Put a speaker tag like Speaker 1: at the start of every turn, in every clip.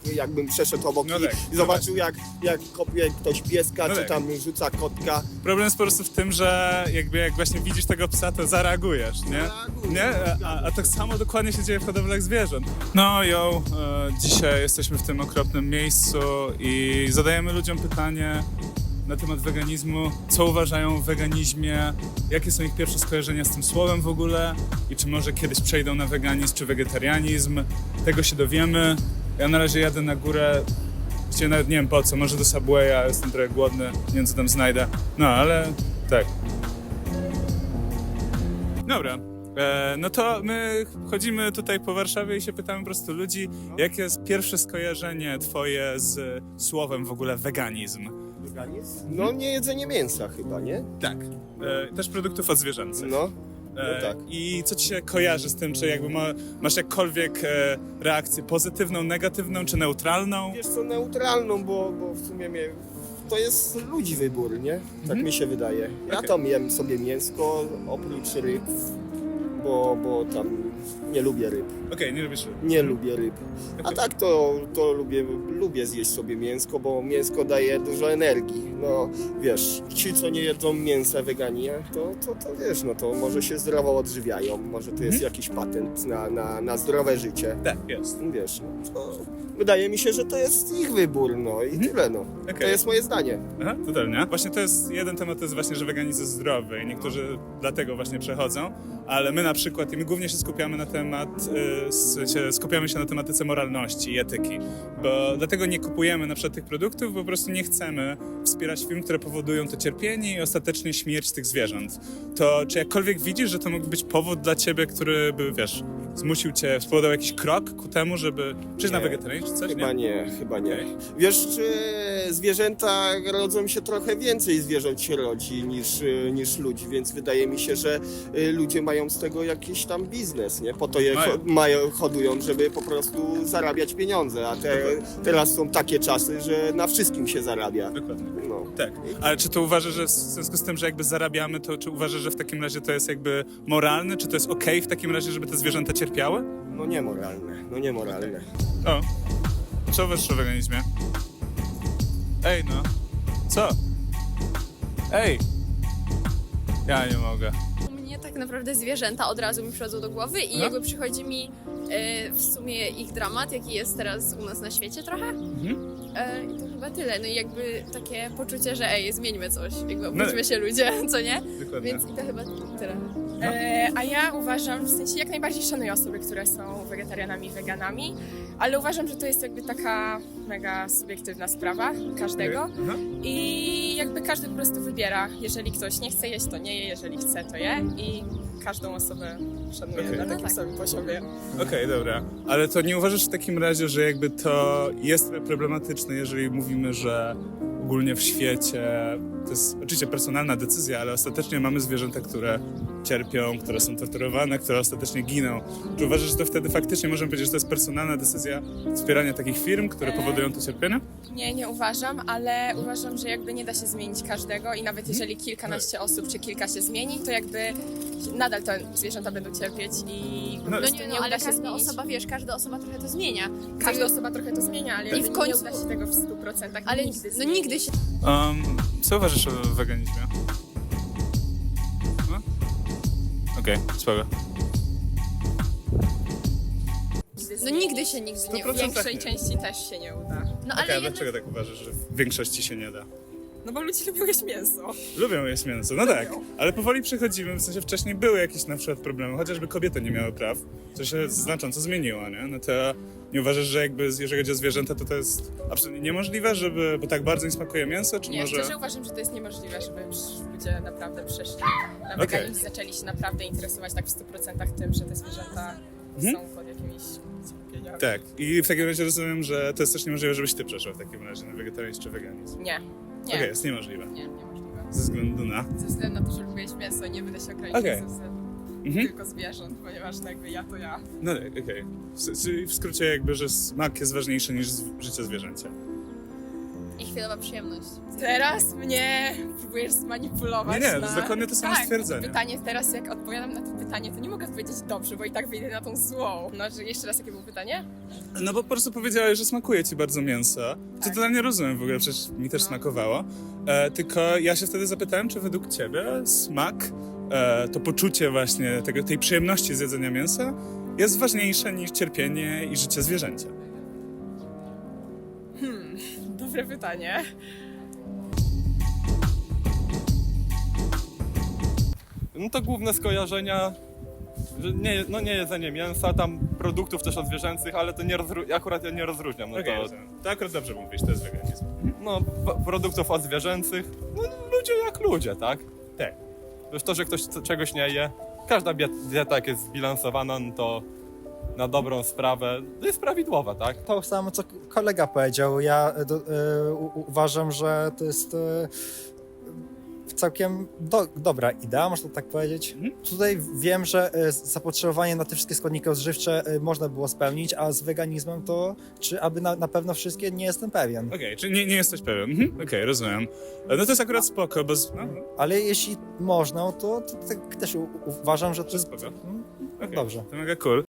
Speaker 1: jakbym przeszedł obok
Speaker 2: No tak,
Speaker 1: i zobaczył jak kopie ktoś pieska,
Speaker 2: No
Speaker 1: czy
Speaker 2: tak.
Speaker 1: tam rzuca kotka.
Speaker 2: Problem jest po prostu w tym, że jak właśnie widzisz tego psa, to zareagujesz, nie?
Speaker 1: Zareaguję.
Speaker 2: Nie? A tak samo dokładnie się dzieje w hodowlach zwierząt. No dzisiaj jesteśmy w tym okropnym miejscu i zadajemy ludziom pytanie na temat weganizmu, co uważają o weganizmie, jakie są ich pierwsze skojarzenia z tym słowem w ogóle i czy może kiedyś przejdą na weganizm czy wegetarianizm. Tego się dowiemy. Ja na razie jadę na górę, właściwie nawet nie wiem po co, może do Subwaya, jestem trochę głodny, nie wiem co tam znajdę. No ale tak. Dobra. No to my chodzimy tutaj po Warszawie i się pytamy po prostu ludzi, jakie jest pierwsze skojarzenie twoje z słowem w ogóle weganizm?
Speaker 1: Weganizm? No nie jedzenie mięsa chyba, nie?
Speaker 2: Tak. Też produktów odzwierzęcych.
Speaker 1: No tak.
Speaker 2: I co ci się kojarzy z tym, czy jakby masz jakkolwiek reakcję pozytywną, negatywną, czy neutralną?
Speaker 1: Wiesz co, neutralną, bo w sumie to jest ludzi wybór, nie? Tak mi się wydaje. Ja
Speaker 2: Okej.
Speaker 1: tam jem sobie mięsko, oprócz ryb, bo tam nie lubię ryb.
Speaker 2: Okej, nie lubisz ryb.
Speaker 1: Nie lubię ryb. A
Speaker 2: Okej.
Speaker 1: tak to lubię zjeść sobie mięsko, bo mięsko daje dużo energii. No wiesz, ci co nie jedzą mięsa weganie, to wiesz, no to może się zdrowo odżywiają, może to jest jakiś patent na zdrowe życie.
Speaker 2: Tak, jest.
Speaker 1: Wiesz, no to wydaje mi się, że to jest ich wybór, no i tyle, no. To
Speaker 2: Okej.
Speaker 1: jest moje zdanie.
Speaker 2: Aha, totalnie. Właśnie to jest jeden temat, to jest właśnie, że weganizm jest zdrowy i niektórzy dlatego właśnie przechodzą, ale my na przykład, i my głównie się skupiamy na skupiamy się na tematyce moralności i etyki, bo dlatego nie kupujemy na przykład tych produktów, bo po prostu nie chcemy wspierać firm, które powodują to cierpienie i ostatecznie śmierć tych zwierząt. To czy jakkolwiek widzisz, że to mógł być powód dla ciebie, który by, wiesz, zmusił cię, spowodował jakiś krok ku temu, żeby przejść na
Speaker 1: Nie.
Speaker 2: wegetarianizm czy coś?
Speaker 1: Chyba nie.
Speaker 2: Okej.
Speaker 1: Wiesz, czy zwierzęta rodzą się trochę więcej zwierząt się rodzi niż ludzi, więc wydaje mi się, że ludzie mają z tego jakiś tam biznes, nie? Po to je hodują, żeby po prostu zarabiać pieniądze, a teraz są takie czasy, że na wszystkim się zarabia.
Speaker 2: Dokładnie.
Speaker 1: No.
Speaker 2: Tak, ale czy to uważasz, że w związku z tym, że jakby zarabiamy, to czy uważasz, że w takim razie to jest jakby moralne, czy to jest okej w takim razie, żeby te zwierzęta cierpiały?
Speaker 1: No niemoralne.
Speaker 2: O, co uważasz o weganizmie? Ej no, co? Ej! Ja nie mogę.
Speaker 3: U mnie tak naprawdę zwierzęta od razu mi przychodzą do głowy i
Speaker 2: No.
Speaker 3: jakby przychodzi mi w sumie ich dramat, jaki jest teraz u nas na świecie trochę. I to chyba tyle. No i jakby takie poczucie, że zmieńmy coś, jakby obudźmy się ludzie, co nie?
Speaker 2: Dokładnie.
Speaker 3: Więc i to chyba tyle.
Speaker 4: A ja uważam, w sensie jak najbardziej szanuję osoby, które są wegetarianami i weganami, ale uważam, że to jest jakby taka mega subiektywna sprawa każdego
Speaker 2: Aha.
Speaker 4: i jakby każdy po prostu wybiera. Jeżeli ktoś nie chce jeść, to nie je, jeżeli chce, to je i każdą osobę szanuję
Speaker 2: Okej.
Speaker 4: na takim
Speaker 3: No tak.
Speaker 4: samym poziomie.
Speaker 2: Okej, dobra. Ale to nie uważasz w takim razie, że jakby to jest problematyczne, jeżeli mówimy, że ogólnie w świecie to jest oczywiście personalna decyzja, ale ostatecznie mamy zwierzęta, które cierpią, które są torturowane, które ostatecznie giną. Czy uważasz, że to wtedy faktycznie możemy powiedzieć, że to jest personalna decyzja wspierania takich firm, które powodują to cierpienie?
Speaker 4: Nie uważam, ale uważam, że jakby nie da się zmienić każdego i nawet jeżeli kilkanaście osób czy kilka się zmieni, to jakby nadal te zwierzęta będą cierpieć i po
Speaker 2: No
Speaker 4: prostu
Speaker 3: No
Speaker 4: nie
Speaker 3: ale
Speaker 4: uda się
Speaker 3: każda
Speaker 4: zmienić.
Speaker 3: osoba, każda osoba trochę to zmienia.
Speaker 4: Każda osoba trochę to zmienia, ale jakby
Speaker 3: w końcu-
Speaker 4: nie uda się tego w 100%.
Speaker 3: Ale
Speaker 4: nigdy
Speaker 3: no
Speaker 4: zmienić.
Speaker 3: nigdy się...
Speaker 2: Co uważasz o weganizmie? No? Okej, spoko.
Speaker 3: No nigdy się nie
Speaker 2: 100%
Speaker 3: uda.
Speaker 4: W większej
Speaker 2: nie.
Speaker 4: części też się nie uda.
Speaker 3: No
Speaker 2: Okej,
Speaker 3: ale
Speaker 2: a dlaczego tak uważasz, że w większości się nie da?
Speaker 4: No bo ludzie lubią jeść mięso.
Speaker 2: Lubią jeść mięso, no tak, ale powoli przechodzimy, w sensie wcześniej były jakieś na przykład problemy, chociażby kobiety nie miały praw, co się znacząco zmieniło, nie? No to nie uważasz, że jakby jeżeli chodzi o zwierzęta, to jest absolutnie niemożliwe, bo tak bardzo im smakuje mięso, czy
Speaker 4: Nie,
Speaker 2: może...
Speaker 4: szczerze uważam, że to jest niemożliwe, żeby ludzie naprawdę przeszli na
Speaker 2: Okej.
Speaker 4: weganizm i zaczęli się naprawdę interesować tak w 100% tym, że te zwierzęta są pod jakimiś cierpieniami.
Speaker 2: Tak, i w takim razie rozumiem, że to jest też niemożliwe, żebyś ty przeszła w takim razie na wegetarianizm czy weganizm.
Speaker 4: Nie.
Speaker 2: Okej, jest niemożliwe.
Speaker 4: Niemożliwe.
Speaker 2: Ze względu na...
Speaker 4: Ze względu na to, że lubię jeść mięso i nie będę się ograniczać
Speaker 2: Okej.
Speaker 4: ze względu tylko zwierząt, ponieważ no jakby ja to ja.
Speaker 2: No tak, okej. Czyli w skrócie jakby, że smak jest ważniejszy niż życie zwierzęcia.
Speaker 3: I chwilowa przyjemność.
Speaker 4: Teraz mnie próbujesz zmanipulować.
Speaker 2: Nie, to
Speaker 4: na...
Speaker 2: jest dokładnie to samo
Speaker 4: tak,
Speaker 2: stwierdzenie.
Speaker 4: Pytanie teraz, jak odpowiadam na to pytanie, to nie mogę odpowiedzieć dobrze, bo i tak wyjdę na tą złą. No, że jeszcze raz, jakie było pytanie?
Speaker 2: No bo po prostu powiedziałeś, że smakuje ci bardzo mięso. Co
Speaker 4: Tak.
Speaker 2: totalnie rozumiem w ogóle, przecież mi też smakowało. Tylko ja się wtedy zapytałem, czy według ciebie smak, to poczucie właśnie tej przyjemności z jedzenia mięsa jest ważniejsze niż cierpienie i życie zwierzęcia.
Speaker 4: Dobre pytanie.
Speaker 5: No to główne skojarzenia, że nie jedzenie mięsa, tam produktów też zwierzęcych, ale to akurat ja nie rozróżniam. No
Speaker 2: Okej, to akurat dobrze mówisz, to jest weganizm.
Speaker 5: no, produktów zwierzęcych, no ludzie jak ludzie, tak?
Speaker 2: Tak.
Speaker 5: Wiesz, to, że ktoś czegoś nie je, każda dieta jak jest zbilansowana, no to na dobrą sprawę jest prawidłowa, tak?
Speaker 6: To samo, co kolega powiedział. Ja uważam, że to jest całkiem dobra idea, można tak powiedzieć. Tutaj wiem, że zapotrzebowanie na te wszystkie składniki odżywcze można było spełnić, a z weganizmem to, czy aby na pewno wszystkie, nie jestem pewien.
Speaker 2: Okej, czyli nie jesteś pewien. Okej, rozumiem. No to jest akurat spoko, bo...
Speaker 6: Ale jeśli można, to tak też uważam, że to jest
Speaker 2: Spoko. Okej,
Speaker 6: dobrze.
Speaker 2: To mega cool.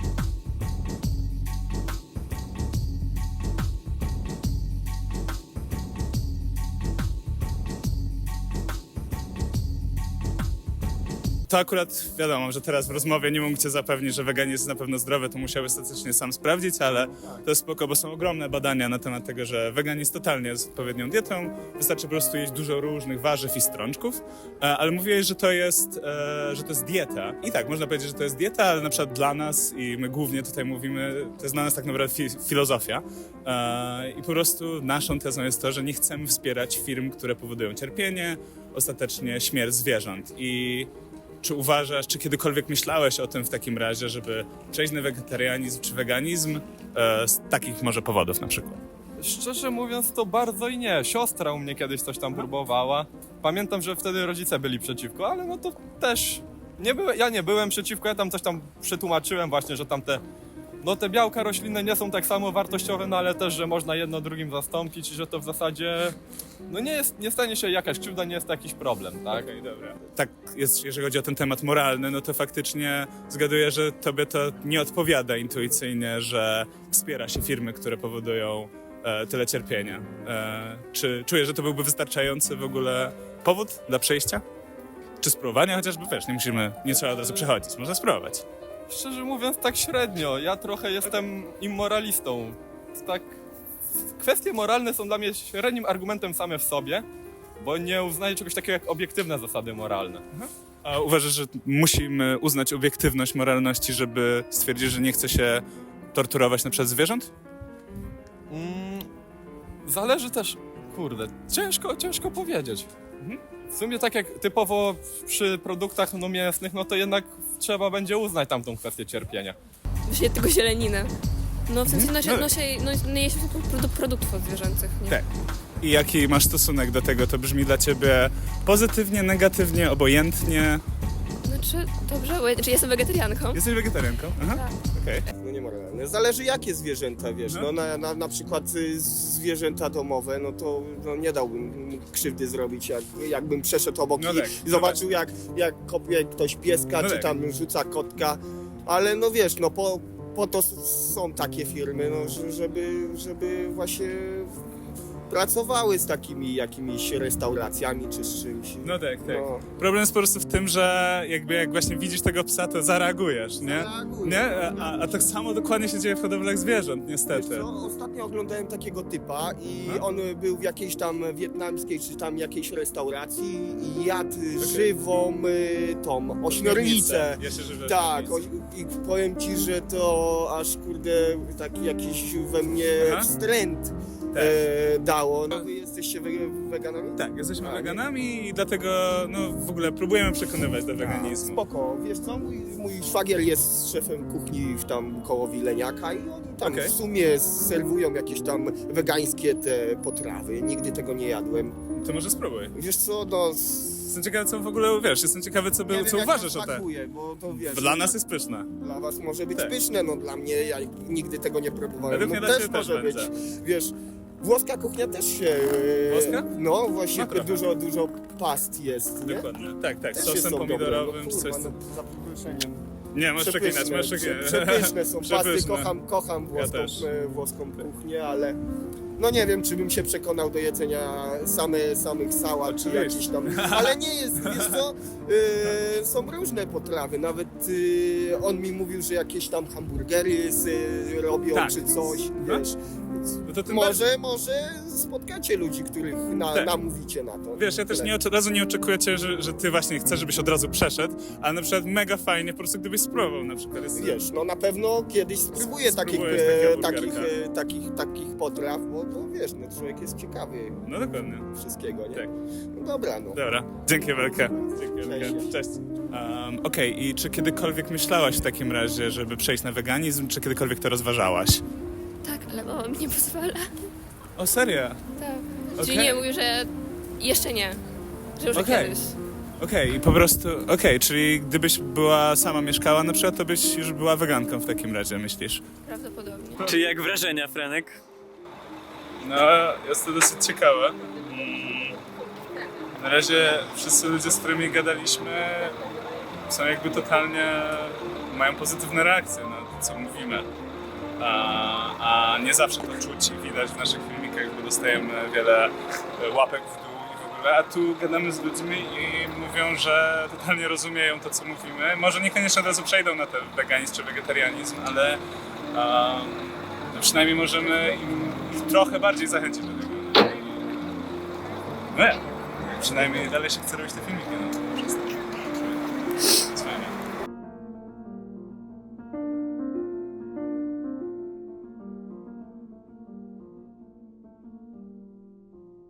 Speaker 2: To akurat wiadomo, że teraz w rozmowie nie mógł cię zapewnić, że weganizm jest na pewno zdrowy, to musiałby statystycznie sam sprawdzić, ale to jest spoko, bo są ogromne badania na temat tego, że weganizm totalnie jest odpowiednią dietą, wystarczy po prostu jeść dużo różnych warzyw i strączków, ale mówiłeś, że to jest dieta. I tak, można powiedzieć, że to jest dieta, ale na przykład dla nas, i my głównie tutaj mówimy, to jest dla nas tak naprawdę filozofia. I po prostu naszą tezą jest to, że nie chcemy wspierać firm, które powodują cierpienie, ostatecznie śmierć zwierząt. I czy uważasz, czy kiedykolwiek myślałeś o tym w takim razie, żeby przejść na wegetarianizm czy weganizm z takich może powodów na przykład?
Speaker 5: Szczerze mówiąc to bardzo i nie. Siostra u mnie kiedyś coś tam próbowała. Pamiętam, że wtedy rodzice byli przeciwko, ale no to też ja nie byłem przeciwko, ja tam coś tam przetłumaczyłem właśnie, że tam te białka roślinne nie są tak samo wartościowe, no ale też, że można jedno drugim zastąpić i że to w zasadzie nie stanie się jakaś krzywda, nie jest to jakiś problem, tak?
Speaker 2: Okej, dobra. Tak jest, jeżeli chodzi o ten temat moralny, no to faktycznie zgaduję, że tobie to nie odpowiada intuicyjnie, że wspiera się firmy, które powodują tyle cierpienia. Czy czujesz, że to byłby wystarczający w ogóle powód dla przejścia? Czy spróbowania chociażby? Wiesz, nie trzeba od razu przechodzić, można spróbować.
Speaker 5: Szczerze mówiąc tak średnio, ja trochę jestem immoralistą. Tak, kwestie moralne są dla mnie średnim argumentem same w sobie, bo nie uznaję czegoś takiego jak obiektywne zasady moralne.
Speaker 2: A uważasz, że musimy uznać obiektywność moralności, żeby stwierdzić, że nie chce się torturować na przykład zwierząt?
Speaker 5: Zależy też, kurde, ciężko powiedzieć. W sumie tak jak typowo przy produktach mięsnych, no to jednak trzeba będzie uznać tamtą kwestię cierpienia.
Speaker 3: Właśnie tylko zieleninę. No w sensie nie jeść produktów odzwierzęcych, nie?
Speaker 2: Tak. I jaki masz stosunek do tego? To brzmi dla ciebie pozytywnie, negatywnie, obojętnie?
Speaker 3: Znaczy, dobrze, czy jestem wegetarianką?
Speaker 2: Jesteś wegetarianką? Aha.
Speaker 3: Tak.
Speaker 2: Okej.
Speaker 1: No niemoralne. Zależy jakie zwierzęta, wiesz. No na przykład zwierzęta domowe, no to nie dałbym krzywdy zrobić, jakbym przeszedł obok
Speaker 2: No tak,
Speaker 1: i zobaczył jak kopie ktoś pieska,
Speaker 2: No
Speaker 1: czy
Speaker 2: tak.
Speaker 1: tam rzuca kotka. Ale no wiesz, no po to są takie firmy, no, żeby właśnie pracowały z takimi jakimiś restauracjami czy z czymś.
Speaker 2: No tak.
Speaker 1: No.
Speaker 2: Problem jest po prostu w tym, że jak właśnie widzisz tego psa, to zareagujesz, nie?
Speaker 1: Zareaguję.
Speaker 2: Nie? A tak samo dokładnie się dzieje w hodowlach zwierząt,
Speaker 1: Wiesz
Speaker 2: niestety.
Speaker 1: co, ostatnio oglądałem takiego typa i on był w jakiejś tam wietnamskiej czy tam jakiejś restauracji i jadł żywą tą ośmiornicę.
Speaker 2: Jeszcze żywe
Speaker 1: Tak,
Speaker 2: ośmiornice.
Speaker 1: i powiem ci, że to aż kurde taki jakiś we mnie
Speaker 2: Aha.
Speaker 1: wstręt
Speaker 2: Tak.
Speaker 1: dało. No wy jesteście weganami?
Speaker 2: Tak, jesteśmy
Speaker 1: A,
Speaker 2: weganami i dlatego w ogóle próbujemy przekonywać do weganizmu.
Speaker 1: Spoko, wiesz co, mój szwagier jest szefem kuchni tam koło Wileniaka i oni tam
Speaker 2: Okej.
Speaker 1: w sumie serwują jakieś tam wegańskie te potrawy. Nigdy tego nie jadłem.
Speaker 2: To może spróbuj.
Speaker 1: Wiesz co, no...
Speaker 2: Jestem ciekawy, co w ogóle wiesz, jestem ciekawy, co
Speaker 1: nie wiem,
Speaker 2: co
Speaker 1: jak
Speaker 2: uważasz
Speaker 1: to
Speaker 2: o tym.
Speaker 1: smakuje, bo to wiesz...
Speaker 2: Dla nas jest pyszne.
Speaker 1: Dla was może być
Speaker 2: Tak.
Speaker 1: pyszne, no dla mnie, ja nigdy tego nie próbowałem.
Speaker 2: Według
Speaker 1: No
Speaker 2: mnie dla
Speaker 1: też
Speaker 2: ciebie też
Speaker 1: może być,
Speaker 2: będzie.
Speaker 1: wiesz... Włoska kuchnia też się...
Speaker 2: Włoska?
Speaker 1: No, właśnie
Speaker 2: No, trochę.
Speaker 1: dużo past jest, nie?
Speaker 2: Dokładnie. Tak,
Speaker 1: Też
Speaker 2: sosem
Speaker 1: są dobre,
Speaker 2: pomidorowym,
Speaker 1: no,
Speaker 2: czy coś.
Speaker 1: kurwa, no, za przeproszeniem.
Speaker 2: Nie, możesz przeklinać, możesz przeklinać.
Speaker 1: Przepyszne są pasty,
Speaker 2: Przepyszne.
Speaker 1: kocham włoską,
Speaker 2: Ja też.
Speaker 1: włoską kuchnię, ale no nie wiem, czy bym się przekonał do jedzenia samych sałat, czy
Speaker 2: Oczywiście.
Speaker 1: jakiś tam, ale nie jest, wiesz co, są różne potrawy, nawet on mi mówił, że jakieś tam hamburgery robią,
Speaker 2: Tak.
Speaker 1: czy coś,
Speaker 2: No.
Speaker 1: wiesz, więc
Speaker 2: No to tym
Speaker 1: może spotkacie ludzi, których
Speaker 2: Tak.
Speaker 1: namówicie na to.
Speaker 2: Wiesz, ja też
Speaker 1: Tyle.
Speaker 2: od razu nie oczekujecie, że ty właśnie chcesz, żebyś od razu przeszedł, ale na przykład mega fajnie po prostu gdybyś spróbował na przykład. Jest,
Speaker 1: Wiesz, no na pewno kiedyś spróbuję
Speaker 2: Spróbujesz takiego
Speaker 1: takich potraw, bo wiesz, no człowiek jest ciekawy
Speaker 2: No dokładnie.
Speaker 1: wszystkiego, nie?
Speaker 2: Tak.
Speaker 1: No dobra, no.
Speaker 2: Dobra, dzięki wielkie. Dzięki wielkie. Cześć. Okej, i czy kiedykolwiek myślałaś w takim razie, żeby przejść na weganizm, czy kiedykolwiek to rozważałaś?
Speaker 7: Tak, ale mama mi nie pozwala.
Speaker 2: O, serio?
Speaker 7: Tak.
Speaker 2: Okej.
Speaker 7: Czyli nie, mówi, że jeszcze nie. Że już
Speaker 2: Okej.
Speaker 7: kiedyś.
Speaker 2: Okej, i po prostu, czyli gdybyś była sama mieszkała na przykład, to byś już była weganką w takim razie, myślisz?
Speaker 7: Prawdopodobnie.
Speaker 8: Czy jak wrażenia, Franek?
Speaker 2: No, jest to dosyć ciekawe. Na razie wszyscy ludzie, z którymi gadaliśmy, są jakby totalnie, mają pozytywne reakcje na to, co mówimy. A nie zawsze to czuć i widać w naszych filmikach, bo dostajemy wiele łapek w dół i w ogóle, a tu gadamy z ludźmi i mówią, że totalnie rozumieją to, co mówimy. Może niekoniecznie od razu przejdą na ten weganizm czy wegetarianizm, ale no przynajmniej możemy ich trochę bardziej zachęcić do tego. No ja, przynajmniej dalej się chce robić te filmiki. No.